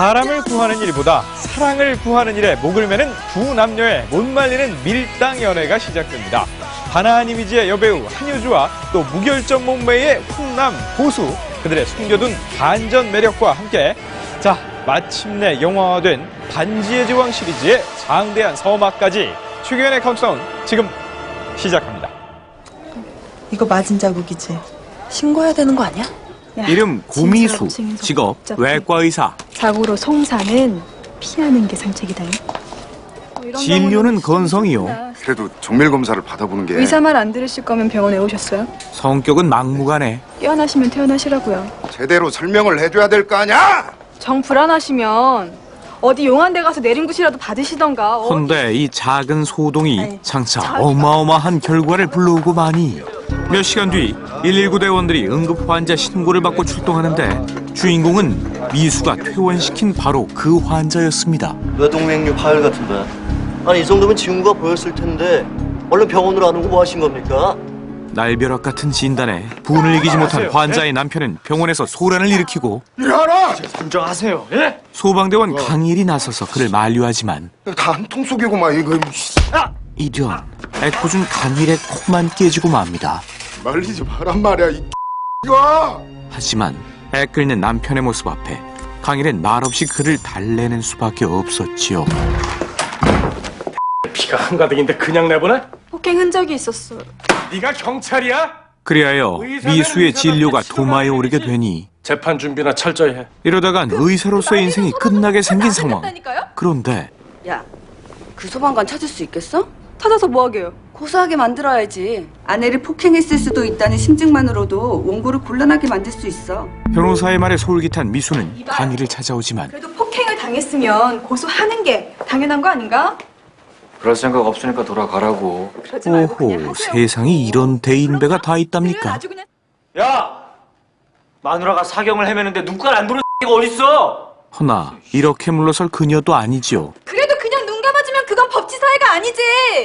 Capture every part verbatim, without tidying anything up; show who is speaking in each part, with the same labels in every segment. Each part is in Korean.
Speaker 1: 사람을 구하는 일보다 사랑을 구하는 일에 목을 매는 두 남녀의 못 말리는 밀당 연애가 시작됩니다. 단아한 이미지의 여배우 한효주와 또 무결점 몸매의 훈남 고수, 그들의 숨겨둔 반전 매력과 함께 자 마침내 영화화된 반지의 제왕 시리즈의 장대한 서막까지 최규현의 카운트다운 지금 시작합니다.
Speaker 2: 이거 맞은 자국이지? 신고해야 되는 거 아니야?
Speaker 3: 야,
Speaker 4: 이름 고미수, 직업 외과의사.
Speaker 3: 자고로 송사는 피하는 게 상책이다.
Speaker 4: 진료는 건성이요.
Speaker 5: 그래도 정밀 검사를 받아보는 게
Speaker 3: 의사 말 안 들으실 거면 병원에 오셨어요?
Speaker 4: 성격은 막무가내.
Speaker 3: 깨어나시면 태어나시라고요.
Speaker 5: 제대로 설명을 해줘야 될 거 아니야?
Speaker 3: 정 불안하시면 어디 용한 데 가서 내림굿이라도 받으시던가. 어?
Speaker 4: 헌데 이 작은 소동이 장차 어마어마한 결과를 불러오고 마니. 몇 시간 뒤 일일구 대원들이 응급 환자 신고를 받고 출동하는데 주인공은 미수가 퇴원시킨 바로 그 환자였습니다.
Speaker 6: 뇌동맥류 파열 같은데. 아니 이 정도면 징후가 보였을 텐데 얼른 병원으로 안 오고 뭐 하신 겁니까?
Speaker 4: 날벼락 같은 진단에 분을 이기지 못한 환자의 남편은 병원에서 소란을 일으키고
Speaker 5: 일어나!
Speaker 6: 진정하세요. 예?
Speaker 4: 소방대원 강일이 나서서 그를 만류하지만
Speaker 5: 다 한 통 속이고만 이거
Speaker 4: 이련 애꿎은 강일의 코만 깨지고 맙니다.
Speaker 5: 말리지 마란 말이야 이 이거!
Speaker 4: 하지만 애 끓는 남편의 모습 앞에 강일은 말없이 그를 달래는 수밖에 없었지요.
Speaker 7: 피가 한가득인데 그냥 내보내?
Speaker 3: 폭행 흔적이 있었어.
Speaker 7: 네가 경찰이야?
Speaker 4: 그리하여 미수의 진료가 도마에 오르게 되니
Speaker 7: 재판 준비나 철저히 해.
Speaker 4: 이러다간 의사로서의 인생이 끝나게 생긴 상황. 그런데
Speaker 8: 야, 그 소방관 찾을 수 있겠어?
Speaker 3: 찾아서 뭐 하게요?
Speaker 8: 고소하게 만들어야지. 아내를 폭행했을 수도 있다는 심증만으로도 원고를 곤란하게 만들 수 있어.
Speaker 4: 변호사의 말에 솔깃한 미수는 강일을 찾아오지만
Speaker 3: 그래도 폭행을 당했으면 고소하는 게 당연한 거 아닌가?
Speaker 9: 그럴 생각 없으니까 돌아가라고.
Speaker 3: 그러지 말고 그냥
Speaker 4: 오호,
Speaker 3: 하세요.
Speaker 4: 세상에 이런 대인배가 다
Speaker 3: 그래,
Speaker 4: 있답니까?
Speaker 3: 아주 그냥
Speaker 6: 야! 마누라가 사경을 헤매는데 눈깔 안 보는 X가 어딨어?
Speaker 4: 허나 이렇게 물러설 그녀도 아니지요.
Speaker 3: 그래도 그냥 눈 감아주면 그건 법치 사회가 아니지.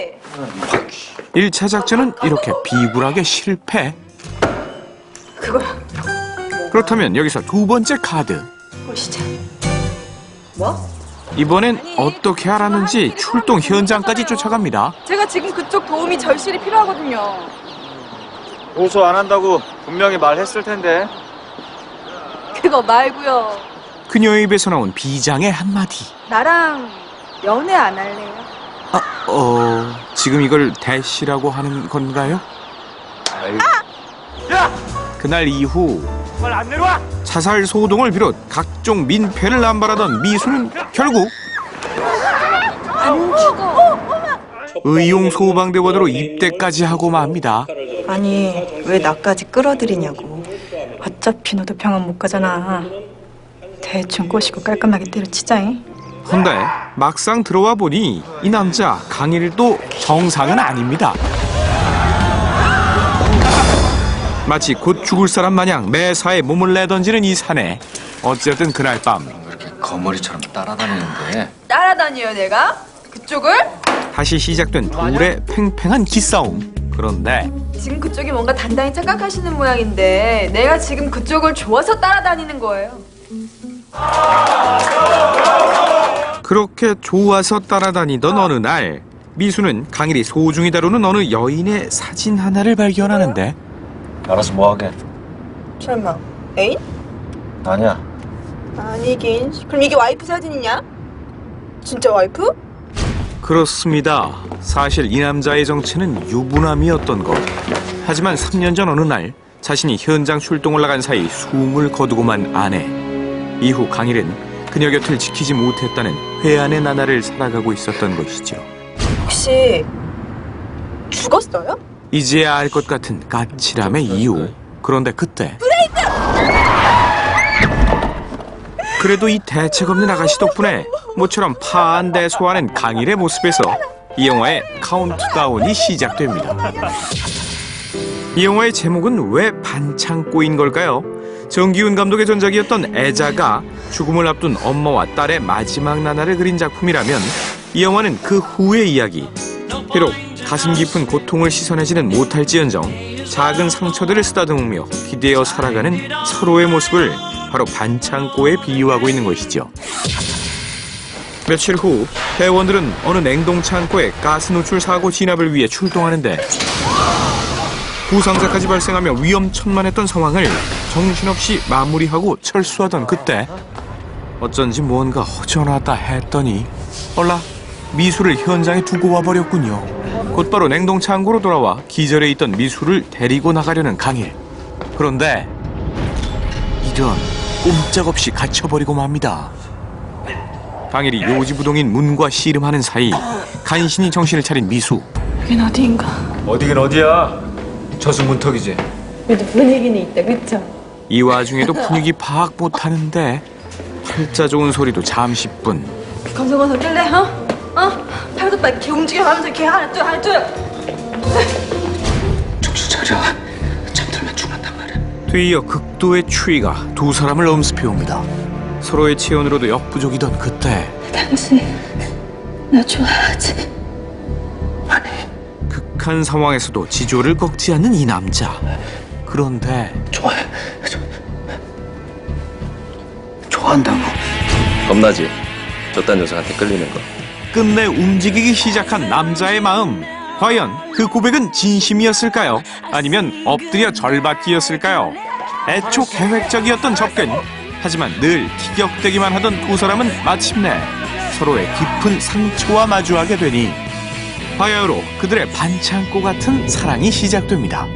Speaker 4: 일 차 작전은 이렇게 비굴하게 실패.
Speaker 3: 그거야.
Speaker 4: 그렇다면 여기서 두 번째 카드.
Speaker 3: 보시자.
Speaker 8: 뭐?
Speaker 4: 이번엔 어떻게 알았는지 출동 현장까지 쫓아갑니다.
Speaker 3: 제가 지금 그쪽 도움이 절실히 필요하거든요.
Speaker 9: 고소 안 한다고 분명히 말했을 텐데.
Speaker 3: 그거 말고요.
Speaker 4: 그녀의 입에서 나온 비장의 한마디.
Speaker 3: 나랑 연애 안 할래요?
Speaker 4: 아, 어... 지금 이걸 대시라고 하는 건가요?
Speaker 6: 야!
Speaker 4: 그날 이후
Speaker 6: 말 안 내려와!
Speaker 4: 자살 소동을 비롯 각종 민폐를 남발하던 미수는 결국
Speaker 3: 안 죽어.
Speaker 4: 의용 소방대원으로 입대까지 하고 맙니다.
Speaker 2: 아니, 왜 나까지 끌어들이냐고.
Speaker 3: 어차피 너도 병원 못 가잖아. 대충 꼬시고 깔끔하게 때려치자잉.
Speaker 4: 헌데 막상 들어와 보니 이 남자 강일도 정상은 아닙니다. 마치 곧 죽을 사람 마냥 매사에 몸을 내던지는 이 사내. 어쨌든 그날 밤
Speaker 9: 이렇게 거머리처럼 따라다니는데.
Speaker 3: 따라다녀요 내가? 그쪽을?
Speaker 4: 다시 시작된 둘의 팽팽한 기싸움. 그런데
Speaker 3: 지금 그쪽이 뭔가 단단히 착각하시는 모양인데 내가 지금 그쪽을 좋아서 따라다니는 거예요.
Speaker 4: 그렇게 좋아서 따라다니던 어느 날 미수는 강일이 소중히 다루는 어느 여인의 사진 하나를 발견하는데
Speaker 9: 알아서 뭐하게.
Speaker 2: 설마 애인?
Speaker 9: 아니야.
Speaker 2: 아니긴. 그럼 이게 와이프 사진이냐? 진짜 와이프?
Speaker 4: 그렇습니다. 사실 이 남자의 정체는 유부남이었던 것. 하지만 삼 년 전 어느 날 자신이 현장 출동을 나간 사이 숨을 거두고 만 아내. 이후 강일은 그녀 곁을 지키지 못했다는 회한의 나날을 살아가고 있었던 것이죠.
Speaker 2: 혹시 죽었어요?
Speaker 4: 이제야 알 것 같은 까칠함의 이유. 그런데 그때 그래도 이 대책 없는 아가씨 덕분에 모처럼 파안대소하는 강일의 모습에서 이 영화의 카운트다운이 시작됩니다. 이 영화의 제목은 왜 반창 꼬인 걸까요? 정기훈 감독의 전작이었던 애자가 죽음을 앞둔 엄마와 딸의 마지막 나날을 그린 작품이라면 이 영화는 그 후의 이야기. 비록 가슴 깊은 고통을 씻어내지는 못할지언정 작은 상처들을 쓰다듬으며 기대어 살아가는 서로의 모습을 바로 반창고에 비유하고 있는 것이죠. 며칠 후 대원들은 어느 냉동창고에 가스 노출 사고 진압을 위해 출동하는데 부상자까지 발생하며 위험천만했던 상황을 정신없이 마무리하고 철수하던 그때 어쩐지 무언가 허전하다 했더니 얼라 미수를 현장에 두고 와버렸군요. 곧바로 냉동창고로 돌아와 기절해 있던 미수를 데리고 나가려는 강일. 그런데 이런 꼼짝없이 갇혀버리고 맙니다. 강일이 요지부동인 문과 씨름하는 사이 간신히 정신을 차린 미수.
Speaker 3: 여긴 어디인가?
Speaker 9: 어디긴 어디야? 저승문턱이지.
Speaker 3: 그래도 분위기는 있다, 그쵸?
Speaker 4: 이 와중에도 분위기 파악 못하는데 팔자 좋은 소리도 잠시뿐.
Speaker 3: 검정어서 낄래, 어? 어? 팔도 빨리 이렇게 움직여가면서 이렇게 하나 둘 하나 둘.
Speaker 6: 정신 차려. 잠들면 죽는단 말이야.
Speaker 4: 뒤이어 극도의 추위가 두 사람을 엄습해옵니다. 서로의 체온으로도 역부족이던 그때
Speaker 8: 당신 나 좋아하지?
Speaker 4: 극한 상황에서도 지조를 꺾지 않는 이 남자. 그런데
Speaker 6: 좋아해. 저... 좋아한다고.
Speaker 10: 겁나지? 저딴 녀석한테 끌리는 거.
Speaker 4: 끝내 움직이기 시작한 남자의 마음. 과연 그 고백은 진심이었을까요? 아니면 엎드려 절받기였을까요? 애초 계획적이었던 접근. 하지만 늘 티격대기만 하던 두 사람은 마침내 서로의 깊은 상처와 마주하게 되니 바야흐로 그들의 반창고 같은 사랑이 시작됩니다.